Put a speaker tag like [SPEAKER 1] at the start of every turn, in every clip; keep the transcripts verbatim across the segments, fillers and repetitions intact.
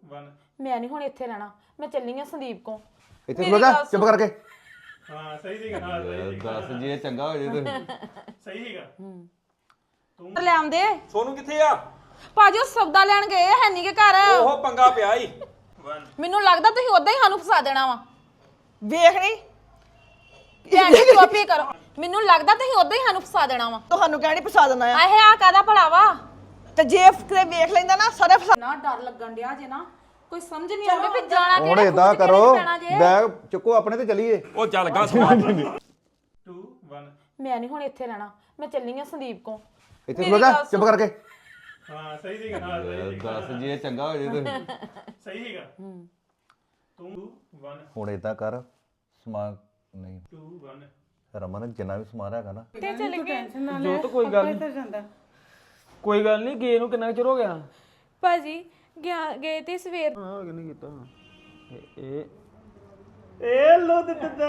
[SPEAKER 1] One
[SPEAKER 2] ਮੈਂ ਨਹੀਂ ਹੁਣ ਇੱਥੇ ਰਹਿਣਾ ਮੈਂ ਚੱਲੀ ਆ ਸੰਦੀਪ ਕੋ
[SPEAKER 3] ਇੱਥੇ ਖਲੋ ਜਾ ਚੁੱਪ ਕਰਕੇ
[SPEAKER 1] हाँ सही सीगा हाँ सही
[SPEAKER 3] ਦੱਸ ਜੇ ਚੰਗਾ ਹੋ ਜੇ ਤੇ
[SPEAKER 1] सही सीगा
[SPEAKER 2] ਲੈ ਆਉਂਦੇ
[SPEAKER 4] ਸੋਨੂੰ ਕਿੱਥੇ ਆ
[SPEAKER 2] ਭਾਜੀ ਉਹ ਸੌਦਾ ਲੈਣ ਗਏ ਹੈ ਨਹੀਂ ਕਿ ਘਰ
[SPEAKER 4] ਉਹ ਪੰਗਾ ਪਿਆ ਈ
[SPEAKER 1] वन
[SPEAKER 2] ਮੈਨੂੰ ਲੱਗਦਾ ਤੁਸੀਂ ਉਦਾਂ ਹੀ ਸਾਨੂੰ ਫਸਾ ਦੇਣਾ ਵਾ
[SPEAKER 5] ਵੇਖ ਨਹੀਂ
[SPEAKER 2] ਭੈਣ ਜੀ ਚੁੱਪ ਹੀ ਕਰੋ ਮੈਨੂੰ ਲੱਗਦਾ ਤੁਸੀਂ ਉਦਾਂ ਹੀ ਸਾਨੂੰ ਫਸਾ ਦੇਣਾ ਵਾ
[SPEAKER 5] ਤੁਹਾਨੂੰ ਕਹਿਣੀ ਪਸਾ ਦੇਣਾ ਆ
[SPEAKER 2] ਆਹੇ ਆ ਕਾਦਾ ਭਲਾ ਵਾ
[SPEAKER 5] ਤੇ ਜੇ ਕਿਤੇ ਵੇਖ ਲੈਂਦਾ ਨਾ ਸਾਰੇ ਫਸਾ
[SPEAKER 2] ਨਾ ਡਰ ਲੱਗਣ ਡਿਆ ਜੇ ਨਾ ਕੋਈ ਸਮਝ ਨਹੀਂ ਆਉਂਦੀ ਵੀ ਜਾਣਾ
[SPEAKER 3] ਹੁਣ
[SPEAKER 2] ਕਿਹੜੇ
[SPEAKER 3] ਏਦਾਂ
[SPEAKER 2] ਖੂਹ 'ਚ
[SPEAKER 3] ਕਰੋ
[SPEAKER 2] ਕਿਹੜੇ ਪੈਣਾ ਜੇ।
[SPEAKER 3] ਬੈਗ ਚੁੱਕੋ ਆਪਣੇ ਤੇ ਚੱਲੀਏ
[SPEAKER 4] ਉਹ ਚੱਲ ਗਾ ਸਮਾਨ
[SPEAKER 1] टू वन
[SPEAKER 2] ਮੈਂ ਨਹੀਂ ਹੁਣ ਇੱਥੇ ਰਹਿਣਾ ਮੈਂ ਚੱਲੀ ਆ ਸੰਦੀਪ ਕੋ
[SPEAKER 3] ਇੱਥੇ ਖਲੋ ਜਾ ਚੁੱਪ ਕਰਕੇ
[SPEAKER 1] हाँ सही सीगा हाँ सही
[SPEAKER 3] ਦੱਸ ਜੇ ਚੰਗਾ ਹੋ ਜੇ ਤੇ
[SPEAKER 1] सही सीगा टू वन
[SPEAKER 3] ਹੁਣ ਏਦਾਂ ਕਰ ਸਮਾਨ ਨਹੀਂ
[SPEAKER 1] टू वन
[SPEAKER 3] ਰਮਨ ਜਿੰਨਾ ਵੀ ਸਮਾਨ ਹੈਗਾ ਨਾ
[SPEAKER 6] ਜੋ ਤਾਂ ਕੋਈ ਗੱਲ ਨਹੀਂ ਕੋਈ ਗੱਲ ਨਹੀਂ ਗੇ ਨੂੰ ਕਿੰਨਾ ਕੁ ਚਿਰ ਹੋ ਗਿਆ
[SPEAKER 7] ਭਾਜੀ ਗਿਆ ਗਏ ਤੇ ਸਵੇਰ
[SPEAKER 6] ਹਾਂ ਕਿੰਨੇ ਕੀਤਾ ਇਹ
[SPEAKER 1] ए लो दित्ता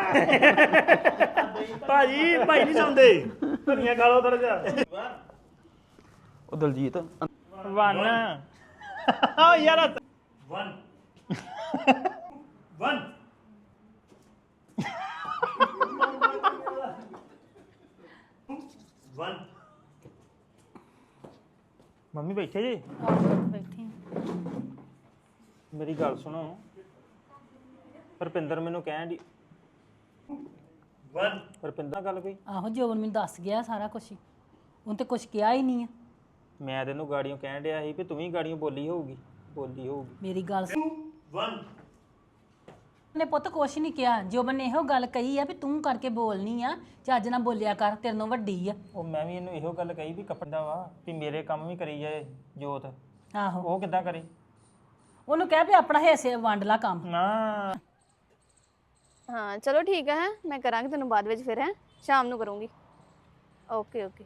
[SPEAKER 1] भाजी भाई नहीं चाहते धनिया खा लो थोड़ा जा
[SPEAKER 6] ਉਹ ਦਲਜੀਤ
[SPEAKER 1] वन हाँ यार वन वन वन
[SPEAKER 6] ਮੰਮੀ ਬੈਠੇ ਜੀ
[SPEAKER 7] ਬੈਠੀ
[SPEAKER 6] ਮੇਰੀ ਗੱਲ ਸੁਣੋ ਰੁਪਿੰਦਰ ਮੈਨੂੰ ਕਹਿਣ ਦੀ
[SPEAKER 1] वन
[SPEAKER 6] ਰੁਪਿੰਦਰ ਨਾਲ ਗੱਲ ਕੋਈ
[SPEAKER 8] ਆਹੋ ਜੋਬਨ ਮੈਨੂੰ ਦੱਸ ਗਿਆ ਸਾਰਾ ਕੁਝ ਉਹਨੇ ਤੇ ਕੁਝ ਕਿਹਾ ਹੀ ਨਹੀਂ ਆ
[SPEAKER 6] ਮੈਂ ਤੈਨੂੰ ਗਾੜੀਆਂ ਕਹਿਣ ਡਿਆ ਸੀ ਵੀ ਤੂੰ ਵੀ ਗਾੜੀਆਂ ਬੋਲੀ ਹੋਊਗੀ ਬੋਲੀ ਹੋਊਗੀ
[SPEAKER 8] ਮੇਰੀ ਗੱਲ ਸੁਣ
[SPEAKER 1] वन
[SPEAKER 8] ਨੇ ਪੁੱਤ ਕੁਛ ਨਹੀਂ ਕਿਹਾ ਜੋਬਨ ਨੇ ਇਹੋ ਗੱਲ ਕਹੀ ਆ ਵੀ ਤੂੰ ਕਰਕੇ ਬੋਲਨੀ ਆ ਚੱਜ ਨਾਲ ਬੋਲਿਆ ਕਰ ਤੇਰੇ ਨਾਲੋਂ ਵੱਡੀ ਆ
[SPEAKER 6] ਉਹ ਮੈਂ ਵੀ ਇਹਨੂੰ ਇਹੋ ਗੱਲ ਕਹੀ ਵੀ ਕੱਪੜਾ ਵਾ ਵੀ ਮੇਰੇ ਕੰਮ ਵੀ ਕਰੀ ਜਾਏ ਜੋਤ
[SPEAKER 8] ਆਹੋ
[SPEAKER 6] ਉਹ ਕਿੱਦਾਂ ਕਰੇ
[SPEAKER 8] ਉਹਨੂੰ ਕਹਿ ਵੀ ਆਪਣਾ ਹਿੱਸੇ ਵੰਡ ਲਾ ਕੰਮ
[SPEAKER 6] ਨਾ
[SPEAKER 7] ਹਾਂ ਚਲੋ ਠੀਕ ਹੈ ਮੈਂ ਕਰਾਂਗੀ ਤੈਨੂੰ ਬਾਅਦ ਵਿੱਚ ਫਿਰ ਹੈ ਸ਼ਾਮ ਨੂੰ ਕਰੂੰਗੀ ਓਕੇ ਓਕੇ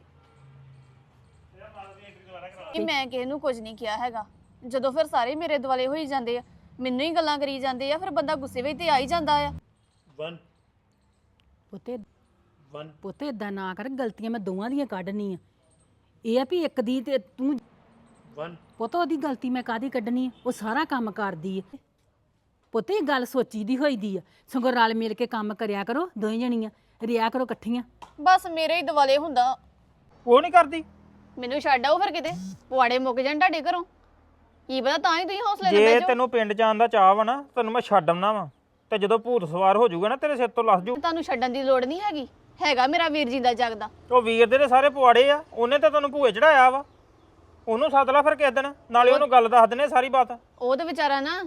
[SPEAKER 7] ਕਿ ਮੈਂ ਕਿਸੇ ਨੂੰ ਕੁਝ ਨਹੀਂ ਕਿਹਾ ਹੈਗਾ ਜਦੋਂ ਫਿਰ ਸਾਰੇ ਮੇਰੇ ਦੁਆਲੇ ਹੋਈ ਜਾਂਦੇ ਆ ਮੈਨੂੰ ਹੀ ਗੱਲਾਂ ਕਰੀ ਜਾਂਦੇ ਆ ਫਿਰ ਬੰਦਾ ਗੁੱਸੇ ਵਿੱਚ ਤੇ ਆ ਹੀ ਜਾਂਦਾ ਆ
[SPEAKER 1] वन
[SPEAKER 8] ਪੁੱਤੇ
[SPEAKER 1] वन
[SPEAKER 8] ਪੁੱਤੇ ਇਦਾਂ ਨਾ ਕਰ ਗਲਤੀਆਂ ਮੈਂ ਦੋਵਾਂ ਦੀਆਂ ਕੱਢਣੀ ਆ ਇਹ ਆ ਵੀ ਇੱਕ ਦੀ ਤੇ ਤੂੰ
[SPEAKER 1] वन
[SPEAKER 8] ਪੁੱਤ ਉਹਦੀ ਗਲਤੀ ਮੈਂ ਕਾਦੀ ਕੱਢਣੀ ਆ ਉਹ ਸਾਰਾ ਕੰਮ ਕਰਦੀ ਆ ਪੁੱਤ ਇਹ ਗੱਲ ਸੋਚੀ ਦੀ ਹੋਈ ਦੀ ਆ ਸਗੋਂ ਰਲ ਮਿਲ ਕੇ ਕੰਮ ਕਰਿਆ ਕਰੋ ਦੋਵੇਂ ਜਣੀਆਂ ਰਿਆ ਕਰੋ ਇਕੱਠੀਆਂ
[SPEAKER 7] ਬਸ ਮੇਰੇ ਹੀ ਦੁਆਲੇ ਹੁੰਦਾ
[SPEAKER 6] ਉਹ ਨਹੀਂ ਕਰਦੀ
[SPEAKER 7] ਮੈਨੂੰ ਛੱਡ ਆਓ ਫਿਰ ਕਿਤੇ ਪੁਆੜੇ ਮੁੱਕ ਜਾਣ ਤੁਹਾਡੇ ਘਰੋਂ ਕੀ ਪਤਾ ਤਾਂ ਹੀ ਤੁਸੀਂ ਹੌਸਲੇ ਨਾਲ
[SPEAKER 6] ਜੇ
[SPEAKER 7] ਬਹਿ ਜਾਓ
[SPEAKER 6] ਤੈਨੂੰ ਪਿੰਡ ਜਾਣ ਦਾ ਚਾਹ ਵਾ ਨਾ ਤੈਨੂੰ ਮੈਂ ਛੱਡ ਆਉਣਾ ਵਾ ਤੇ ਜਦੋਂ ਭੂਤ ਸਵਾਰ ਹੋ ਜਾਊਗਾ ਨਾ ਤੇਰੇ ਸਿਰ ਤੋਂ ਲੱਥ ਜੂ
[SPEAKER 7] ਤੁਹਾਨੂੰ ਛੱਡਣ ਦੀ ਲੋੜ ਨਹੀਂ ਹੈਗੀ ਹੈਗਾ ਮੇਰਾ ਵੀਰ ਜੀ ਦਾ ਜਗਦਾ
[SPEAKER 6] ਉਹ ਵੀਰ ਦੇ ਤੇ ਸਾਰੇ ਪੁਆੜੇ ਆ ਉਹਨੇ ਤਾਂ ਤੈਨੂੰ ਭੂਏ ਚੜਾਇਆ ਵਾ ਉਹਨੂੰ ਸੱਦ ਲਾ ਫਿਰ ਕਿਸ ਦਿਨ ਨਾਲੇ ਉਹਨੂੰ ਗੱਲ ਦੱਸ ਦਿੰਨੇ ਸਾਰੀ ਬਾਤ
[SPEAKER 7] ਉਹ ਤੇ ਵਿਚਾਰਾ ਨਾ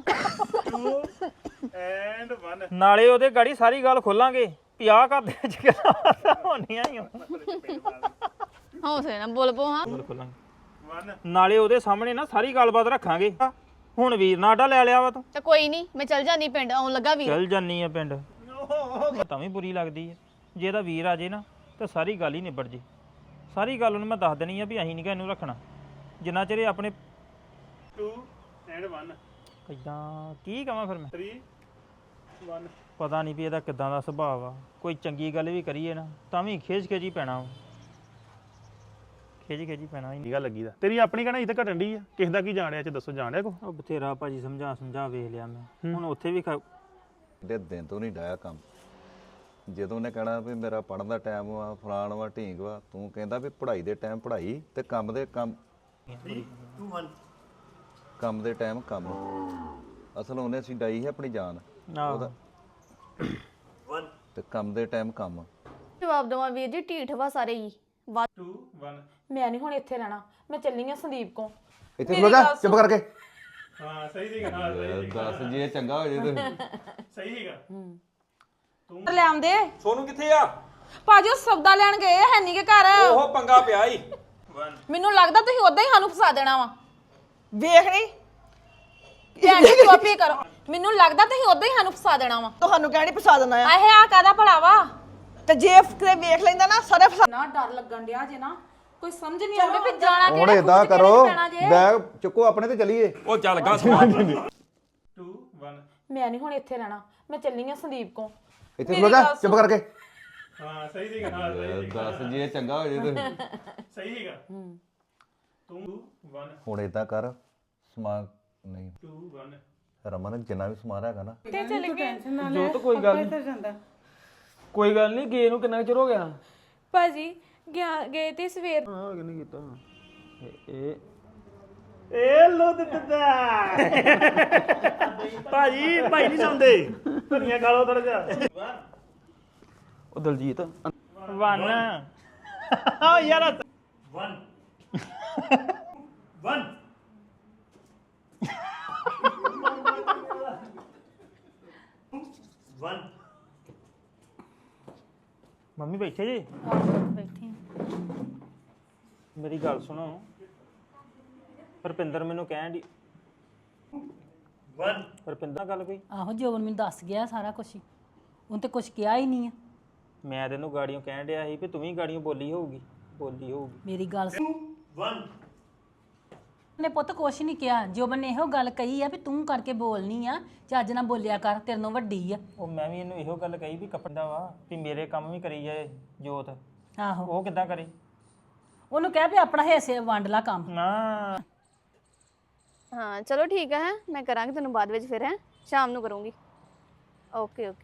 [SPEAKER 1] एंड वन
[SPEAKER 6] ਨਾਲੇ ਉਹਦੇ ਗਾੜੀ ਸਾਰੀ ਗੱਲ ਖੋਲਾਂਗੇ ਵੀ ਆਹ ਘਰ ਦੇ ਵਿੱਚ ਗੱਲਾਂ ਹੋਣੀਆਂ ਹੀ ਆ
[SPEAKER 7] ਹੌਸਲੇ ਨਾਲ ਬੋਲ ਪੋ ਹਾਂ
[SPEAKER 6] ਗੱਲ ਖੋਲਾਂਗੇ
[SPEAKER 1] वन
[SPEAKER 6] ਨਾਲੇ ਉਹਦੇ ਸਾਹਮਣੇ ਨਾ ਸਾਰੀ ਗੱਲਬਾਤ ਰੱਖਾਂਗੇ ਹੁਣ ਵੀਰ ਨਾਡਾ ਲੈ ਲਿਆ ਵਾ ਤੂੰ
[SPEAKER 7] ਤੇ ਕੋਈ ਨਹੀਂ ਮੈਂ ਚੱਲ ਜਾਂਦੀ ਪਿੰਡ ਆਉਣ ਲੱਗਾ ਵੀਰ
[SPEAKER 6] ਚੱਲ ਜਾਨੀ ਆ ਪਿੰਡ ਤਾਂ ਵੀ ਬੁਰੀ ਲੱਗਦੀ ਹੈ ਜੇ ਇਹਦਾ ਵੀਰ ਆ ਜੇ ਨਾ ਤਾਂ ਸਾਰੀ ਗੱਲ ਹੀ ਨਿਬੜ ਜੇ ਸਾਰੀ ਗੱਲ ਉਹਨੂੰ ਮੈਂ ਦੱਸ ਦੇਣੀ ਆ ਵੀ ਅਸੀਂ ਨਹੀਂ ਕਿ ਇਹਨੂੰ ਰੱਖਣਾ ਜਿੰਨਾ ਚਿਰ ਇਹ ਆਪਣੇ
[SPEAKER 1] टू एंड वन
[SPEAKER 6] ਇਦਾਂ ਕੀ ਕਵਾਂ ਫਿਰ ਮੈਂ
[SPEAKER 1] थ्री वन
[SPEAKER 6] ਪਤਾ ਨਹੀਂ ਵੀ ਇਹਦਾ ਕਿੱਦਾਂ ਦਾ ਸੁਭਾਅ ਆ ਕੋਈ ਚੰਗੀ ਗੱਲ ਵੀ ਕਰੀਏ ਨਾ ਤਾਂ ਵੀ ਖੇਜ ਖੇਜੀ ਪੈਣਾ ਵਾ। ਖੇਜੀ ਖੇਜੀ ਪੈਣਾ ਹੀ
[SPEAKER 1] ਗੱਲ ਲੱਗੀ ਦਾ ਤੇਰੀ ਆਪਣੀ ਕਹਿਣਾ ਇੱਥੇ ਘਟਣ ਦੀ ਆ ਕਿਸ ਦਾ ਕੀ ਜਾਣਿਆ ਚ ਦੱਸੋ ਜਾਣਿਆ ਕੋ
[SPEAKER 6] ਉਹ ਬਥੇਰਾ ਭਾਜੀ ਸਮਝਾ ਸਮਝਾ ਵੇਖ ਲਿਆ ਮੈਂ ਹੁਣ ਉੱਥੇ ਵੀ ਖ-
[SPEAKER 3] ਦੇ ਦਿਨ ਤੋਂ ਨਹੀਂ ਡਾਇਆ ਕੰਮ ਜਦੋਂ ਉਹਨੇ ਕਹਿਣਾ ਵੀ ਮੇਰਾ ਪੜਨ ਦਾ ਟਾਈਮ ਵਾ ਫਲਾਣ ਵਾ ਢੀਂਗ ਵਾ ਤੂੰ ਕਹਿੰਦਾ ਵੀ ਪੜ੍ਹਾਈ ਦੇ ਟਾਈਮ ਪੜ੍ਹਾਈ ਤੇ ਕੰਮ ਦੇ ਕੰਮ
[SPEAKER 1] टू वन
[SPEAKER 3] ਕੰਮ ਦੇ ਟਾਈਮ ਕੰਮ ਅਸਲ ਉਹਨੇ ਅਸੀਂ ਡਾਈ ਹੈ ਆਪਣੀ ਜਾਨ
[SPEAKER 6] ਆਹੋ।
[SPEAKER 1] वन
[SPEAKER 3] ਤੇ ਕੰਮ ਦੇ ਟਾਈਮ ਕੰਮ
[SPEAKER 7] ਜਵਾਬ ਦਵਾਂ ਵੀਰ ਜੀ ਢੀਠ ਵਾ ਸਾਰੇ ਹੀ ਵਾ-
[SPEAKER 1] टू वन
[SPEAKER 2] ਮੈਂ ਨਹੀਂ ਹੁਣ ਇੱਥੇ ਰਹਿਣਾ ਮੈਂ ਚੱਲੀ ਆ ਸੰਦੀਪ ਕੋ
[SPEAKER 3] ਇੱਥੇ ਖਲੋ ਜਾ ਚੁੱਪ ਕਰਕੇ
[SPEAKER 1] हाँ सही सीगा हाँ सही
[SPEAKER 3] ਦੱਸ ਜੇ ਚੰਗਾ ਹੋ ਜੇ ਤੇ
[SPEAKER 1] सही सीगा
[SPEAKER 2] ਲੈ ਆਉਂਦੇ
[SPEAKER 4] ਸੋਨੂੰ ਕਿੱਥੇ ਆ
[SPEAKER 2] ਭਾਜੀ ਉਹ ਸੌਦਾ ਲੈਣ ਗਏ ਹੈ ਨਹੀਂ ਕਿ ਘਰ
[SPEAKER 4] ਉਹ ਪੰਗਾ ਪਿਆ ਈ
[SPEAKER 1] वन
[SPEAKER 2] ਮੈਨੂੰ ਲੱਗਦਾ ਤੁਸੀਂ ਉਦਾਂ ਹੀ ਸਾਨੂੰ ਫਸਾ ਦੇਣਾ ਵਾ
[SPEAKER 5] ਵੇਖ ਨਹੀਂ
[SPEAKER 2] ਭੈਣ ਜੀ ਚੁੱਪ ਹੀ ਕਰੋ ਮੈਨੂੰ ਲੱਗਦਾ ਤੁਸੀਂ ਉਦਾਂ ਹੀ ਸਾਨੂੰ ਫਸਾ ਦੇਣਾ ਵਾ
[SPEAKER 5] ਤੁਹਾਨੂੰ ਕਹਿਣੀ ਪਸਾ ਦੇਣਾ ਆ
[SPEAKER 2] ਆਹੇ ਆ ਕਾਦਾ ਭਲਾ ਵਾ
[SPEAKER 5] ਤੇ ਜੇ ਕਿਤੇ ਵੇਖ ਲੈਂਦਾ ਨਾ ਸਾਰੇ ਫਸਾ
[SPEAKER 2] ਨਾ ਡਰ ਲੱਗਣ ਡਿਆ ਜੇ ਨਾ ਕੋਈ ਸਮਝ ਨਹੀਂ ਆਉਂਦੀ ਵੀ ਜਾਣਾ
[SPEAKER 3] ਹੁਣ
[SPEAKER 2] ਕਿਹੜੇ
[SPEAKER 3] ਏਦਾਂ
[SPEAKER 2] ਖੂਹ 'ਚ ਕਿਹੜੇ
[SPEAKER 3] ਕਰੋ
[SPEAKER 2] ਪੈਣਾ ਜੇ।
[SPEAKER 3] ਬੈਗ ਚੁੱਕੋ ਆਪਣੇ ਤੇ ਚੱਲੀਏ
[SPEAKER 4] ਉਹ ਚੱਲ ਗਾ ਸਮਾਨ
[SPEAKER 1] टू वन
[SPEAKER 2] ਮੈਂ ਨਹੀਂ ਹੁਣ ਇੱਥੇ ਰਹਿਣਾ ਮੈਂ ਚੱਲੀ ਆ ਸੰਦੀਪ ਕੋ
[SPEAKER 3] ਇੱਥੇ ਖਲੋ ਜਾ ਚੁੱਪ ਕਰਕੇ
[SPEAKER 1] हाँ सही सीगा हाँ सही
[SPEAKER 3] ਦੱਸ ਜੇ ਚੰਗਾ ਹੋ ਜੇ ਤੇ
[SPEAKER 1] सही सीगा टू वन
[SPEAKER 3] ਹੁਣ ਏਦਾਂ ਕਰ ਸਮਾਨ ਨਹੀਂ ਰਮਨ ਜਿੰਨਾ ਵੀ ਸਮਾਨ ਹੈਗਾ ਨਾ
[SPEAKER 9] ਜੋ ਤਾਂ ਕੋਈ ਗੱਲ ਨਹੀਂ ਕੋਈ ਗੱਲ ਨਹੀਂ ਗਏ ਨੂੰ ਕਿੰਨਾ ਕੁ ਚਿਰ ਹੋ ਗਿਆ
[SPEAKER 2] ਭਾਜੀ ਗਿਆ ਗਏ ਤੇ ਸਵੇਰ
[SPEAKER 9] ਹਾਂ ਕਿੰਨੇ ਕੀਤਾ ਇਹ- ਇਹ
[SPEAKER 1] ਏ ਲੋ ਦਿੱਤਾ ਭਾਜੀ ਭਾਈ ਨਹੀਂ ਸੌਂਦੇ ਧਨੀਆ ਖਾ ਲਓ ਥੋੜਾ ਜਿਹਾ
[SPEAKER 9] ਉਹ ਦਲਜੀਤ
[SPEAKER 6] ਵਨ
[SPEAKER 1] ਆ ਯਾਰ ਵਨ ਵਨ ਵਨ
[SPEAKER 6] ਮੰਮੀ ਬੈਠੇ ਜੀ
[SPEAKER 8] ਬੈਠੀ
[SPEAKER 6] ਮੇਰੀ ਗੱਲ ਸੁਣੋ ਰੁਪਿੰਦਰ ਮੈਨੂੰ ਕਹਿਣ ਦੀ
[SPEAKER 1] ਵਨ
[SPEAKER 6] ਰੁਪਿੰਦਰ ਨਾਲ ਗੱਲ ਕੋਈ
[SPEAKER 8] ਆਹੋ ਜੋਬਨ ਮੈਨੂੰ ਦੱਸ ਗਿਆ ਸਾਰਾ ਕੁਝ ਉਹਨੇ ਤੇ ਕੁਝ ਕਿਹਾ ਹੀ ਨਹੀਂ ਆ
[SPEAKER 6] ਮੈਂ ਤੈਨੂੰ ਗਾੜੀਆਂ ਕਹਿਣ ਡਿਆ ਸੀ ਵੀ ਤੂੰ ਵੀ ਗਾੜੀਆਂ ਬੋਲੀ ਹੋਊਗੀ ਬੋਲੀ ਹੋਊਗੀ
[SPEAKER 8] ਮੇਰੀ ਗੱਲ ਸੁਣ
[SPEAKER 1] ਵਨ
[SPEAKER 8] ਨੇ ਪੁੱਤ ਕੁਛ ਨਹੀਂ ਕਿਹਾ ਜੋਬਨ ਨੇ ਇਹੋ ਗੱਲ ਕਹੀ ਆ ਵੀ ਤੂੰ ਕਰਕੇ ਬੋਲਨੀ ਆ ਚੱਜ ਨਾਲ ਬੋਲਿਆ ਕਰ ਤੇਰੇ ਨਾਲੋਂ ਵੱਡੀ ਆ
[SPEAKER 6] ਉਹ ਮੈਂ ਵੀ ਇਹਨੂੰ ਇਹੋ ਗੱਲ ਕਹੀ ਵੀ ਕੱਪੜਾ ਵਾ ਵੀ ਮੇਰੇ ਕੰਮ ਵੀ ਕਰੀ ਜਾਏ ਜੋਤ
[SPEAKER 8] ਆਹੋ
[SPEAKER 6] ਉਹ ਕਿੱਦਾਂ ਕਰੇ
[SPEAKER 8] ਉਹਨੂੰ ਕਹਿ ਵੀ ਆਪਣਾ ਹਿੱਸੇ ਵੰਡ ਲਾ ਕੰਮ
[SPEAKER 6] ਨਾ
[SPEAKER 7] ਹਾਂ ਚਲੋ ਠੀਕ ਹੈ ਮੈਂ ਕਰਾਂਗੀ ਤੈਨੂੰ ਬਾਅਦ ਵਿੱਚ ਫਿਰ ਹੈ ਸ਼ਾਮ ਨੂੰ ਕਰੂੰਗੀ ਓਕੇ ਓਕੇ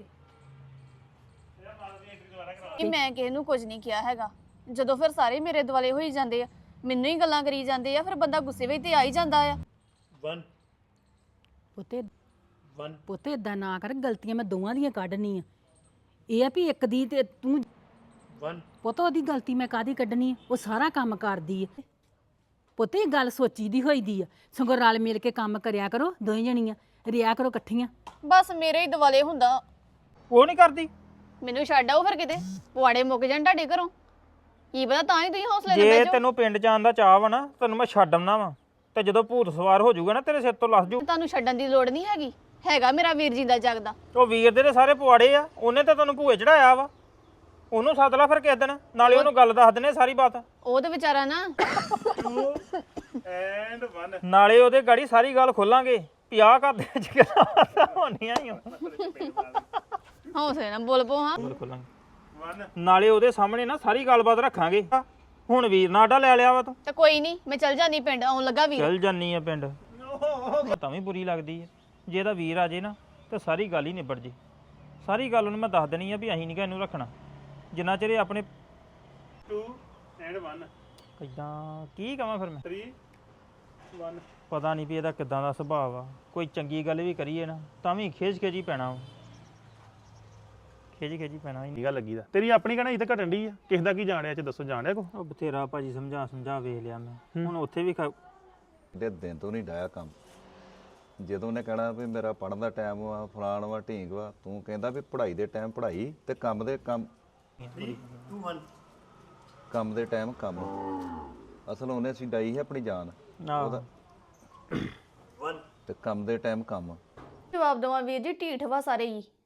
[SPEAKER 7] ਕਿ ਮੈਂ ਕਿਸੇ ਨੂੰ ਕੁਝ ਨਹੀਂ ਕਿਹਾ ਹੈਗਾ ਜਦੋਂ ਫਿਰ ਸਾਰੇ ਮੇਰੇ ਦੁਆਲੇ ਹੋਈ ਜਾਂਦੇ ਆ ਮੈਨੂੰ ਹੀ ਗੱਲਾਂ ਕਰੀ ਜਾਂਦੇ ਆ ਫਿਰ ਬੰਦਾ ਗੁੱਸੇ ਵਿੱਚ ਤੇ ਆ ਹੀ ਜਾਂਦਾ ਆ
[SPEAKER 1] ਵਨ
[SPEAKER 8] ਪੁੱਤੇ
[SPEAKER 1] ਵਨ
[SPEAKER 8] ਪੁੱਤੇ ਇਦਾਂ ਨਾ ਕਰ ਗਲਤੀਆਂ ਮੈਂ ਦੋਵਾਂ ਦੀਆਂ ਕੱਢਣੀ ਆ ਇਹ ਆ ਵੀ ਇੱਕ ਦੀ ਤੇ ਤੂੰ
[SPEAKER 1] ਵਨ
[SPEAKER 8] ਪੁੱਤ ਉਹਦੀ ਗਲਤੀ ਮੈਂ ਕਾਦੀ ਕੱਢਣੀ ਆ ਉਹ ਸਾਰਾ ਕੰਮ ਕਰਦੀ ਆ ਪੁੱਤੇ ਇਹ ਗੱਲ ਸੋਚੀ ਦੀ ਹੋਈ ਦੀ ਆ ਸਗੋਂ ਰਲ ਮਿਲ ਕੇ ਕੰਮ ਕਰਿਆ ਕਰੋ ਦੋਵੇਂ ਜਣੀਆਂ ਰਿਆ ਕਰੋ ਇਕੱਠੀਆਂ
[SPEAKER 7] ਬਸ ਮੇਰੇ ਹੀ ਦੁਆਲੇ ਹੁੰਦਾ
[SPEAKER 6] ਉਹ ਨਹੀਂ ਕਰਦੀ
[SPEAKER 7] ਮੈਨੂੰ ਛੱਡ ਆਓ ਫਿਰ ਕਿਤੇ ਪੁਆੜੇ ਮੁੱਕ ਜਾਣ ਤੁਹਾਡੇ ਘਰੋਂ ਕੀ ਪਤਾ ਤਾਂ ਹੀ ਤੁਸੀਂ ਹੌਸਲੇ ਨਾਲ
[SPEAKER 6] ਜੇ
[SPEAKER 7] ਬਹਿ ਜਾਓ
[SPEAKER 6] ਤੈਨੂੰ ਪਿੰਡ ਜਾਣ ਦਾ ਚਾਹ ਵਾ ਨਾ ਤੈਨੂੰ ਮੈਂ ਛੱਡ ਆਉਣਾ ਵਾ ਤੇ ਜਦੋਂ ਭੂਤ ਸਵਾਰ ਹੋ ਜਾਊਗਾ ਨਾ ਤੇਰੇ ਸਿਰ ਤੋਂ ਲੱਥ ਜੂ
[SPEAKER 7] ਤੁਹਾਨੂੰ ਛੱਡਣ ਦੀ ਲੋੜ ਨਹੀਂ ਹੈਗੀ ਹੈਗਾ ਮੇਰਾ ਵੀਰ ਜੀ ਦਾ ਜਗਦਾ
[SPEAKER 6] ਉਹ ਵੀਰ ਦੇ ਤੇ ਸਾਰੇ ਪਵਾੜੇ ਆ ਉਹਨੇ ਤਾਂ ਤੈਨੂੰ ਭੂਏ ਚੜਾਇਆ ਵਾ ਉਹਨੂੰ ਸੱਦ ਲੈ ਫਿਰ ਕਿਸੇ ਦਿਨ ਨਾਲੇ ਉਹਨੂੰ ਗੱਲ ਦੱਸ ਦਿੰਨੇ ਸਾਰੀ ਬਾਤ
[SPEAKER 7] ਉਹ ਤੇ ਵਿਚਾਰਾ ਨਾ
[SPEAKER 1] ਐਂਡ ਵਨ
[SPEAKER 6] ਨਾਲੇ ਉਹਦੇ ਗਾੜੀ ਸਾਰੀ ਗੱਲ ਖੋਲਾਂਗੇ ਵੀ ਆਹ ਘਰ ਦੇ ਵਿੱਚ ਕਿਹੜਾ ਹੋਣੀਆਂ ਹੀ
[SPEAKER 7] ਹੌਸਲੇ ਨਾਲ ਬੋਲ ਪੋ ਹਾਂ
[SPEAKER 6] ਖੋਲਾਂਗੇ
[SPEAKER 1] ਵਨ
[SPEAKER 6] ਨਾਲੇ ਉਹਦੇ ਸਾਹਮਣੇ ਨਾ ਸਾਰੀ ਗੱਲਬਾਤ ਰੱਖਾਂਗੇ ਹੁਣ ਵੀਰ ਨਾਡਾ ਲੈ ਲਿਆ ਵਾ ਤੂੰ
[SPEAKER 7] ਤੇ ਕੋਈ ਨਹੀਂ ਮੈਂ ਚੱਲ ਜਾਨੀ ਪਿੰਡ ਆਉਣ ਲੱਗਾ ਵੀਰ
[SPEAKER 6] ਚੱਲ ਜਾਨੀ ਆ ਪਿੰਡ ਤਾਂ ਵੀ ਬੁਰੀ ਲੱਗਦੀ ਹੈ ਜੇ ਇਹਦਾ ਵੀਰ ਆ ਜੇ ਨਾ ਤੇ ਸਾਰੀ ਗੱਲ ਹੀ ਨਿਬੜ ਜੇ ਸਾਰੀ ਗੱਲ ਉਹਨੂੰ ਮੈਂ ਦੱਸ ਦੇਣੀ ਆ ਵੀ ਅਸੀਂ ਨਹੀਂ ਇਹਨੂੰ ਰੱਖਣਾ ਜਿੰਨਾ ਚਿਰ ਇਹ ਆਪਣੇ
[SPEAKER 1] ਟੂ ਐਂਡ ਵਨ
[SPEAKER 6] ਇਦਾਂ ਕੀ ਕਵਾਂ ਫਿਰ ਮੈਂ
[SPEAKER 1] ਥ੍ਰੀ ਵਨ
[SPEAKER 6] ਪਤਾ ਨਹੀਂ ਵੀ ਇਹਦਾ ਕਿੱਦਾਂ ਦਾ ਸੁਭਾਅ ਆ ਕੋਈ ਚੰਗੀ ਗੱਲ ਵੀ ਕਰੀਏ ਨਾ ਤਾਂ ਵੀ ਖੇਜ ਖੇਜੀ ਪੈਣਾ ਵਾ। ਖੇਜ ਖੇਜੀ ਪੈਣਾ ਹੀ
[SPEAKER 1] ਕੀ ਗੱਲ ਲੱਗੀ ਦਾ ਤੇਰੀ ਆਪਣੀ ਕਹਿਣਾ ਇੱਥੇ ਘਟਣ ਦੀ ਆ ਕਿਸ ਦਾ ਕੀ ਜਾਣਿਆ ਚ ਦੱਸੋ ਜਾਣਿਆ ਕੋ
[SPEAKER 6] ਉਹ ਬਥੇਰਾ ਭਾਜੀ ਸਮਝਾ ਸਮਝਾ ਵੇਖ ਲਿਆ ਮੈਂ ਹੁਣ ਉੱਥੇ ਵੀ ਖਾ-
[SPEAKER 3] ਦੇ ਦਿਨ ਤੋਂ ਨਹੀਂ ਡਾਇਆ ਕੰਮ ਜਦੋਂ ਉਹਨੇ ਕਹਿਣਾ ਵੀ ਮੇਰਾ ਪੜਨ ਦਾ ਟਾਈਮ ਵਾ ਫਲਾਣ ਵਾ ਢੀਂਗ ਵਾ ਤੂੰ ਕਹਿੰਦਾ ਵੀ ਪੜ੍ਹਾਈ ਦੇ ਟਾਈਮ ਪੜ੍ਹਾਈ ਤੇ ਕੰਮ ਦੇ ਕੰਮ
[SPEAKER 1] ਟੂ ਵਨ
[SPEAKER 3] ਕੰਮ ਦੇ ਟਾਈਮ ਕੰਮ ਅਸਲ ਉਹਨੇ ਛਡਾਈ ਹੈ ਆਪਣੀ ਜਾਨ
[SPEAKER 6] ਆਹੋ
[SPEAKER 1] ਵਨ
[SPEAKER 3] ਤੇ ਕੰਮ ਦੇ ਟਾਈਮ ਕੰਮ
[SPEAKER 7] ਜਵਾਬ ਦਵਾਂ ਵੀਰ ਜੀ ਢੀਠ ਵਾ ਸਾਰੇ ਹੀ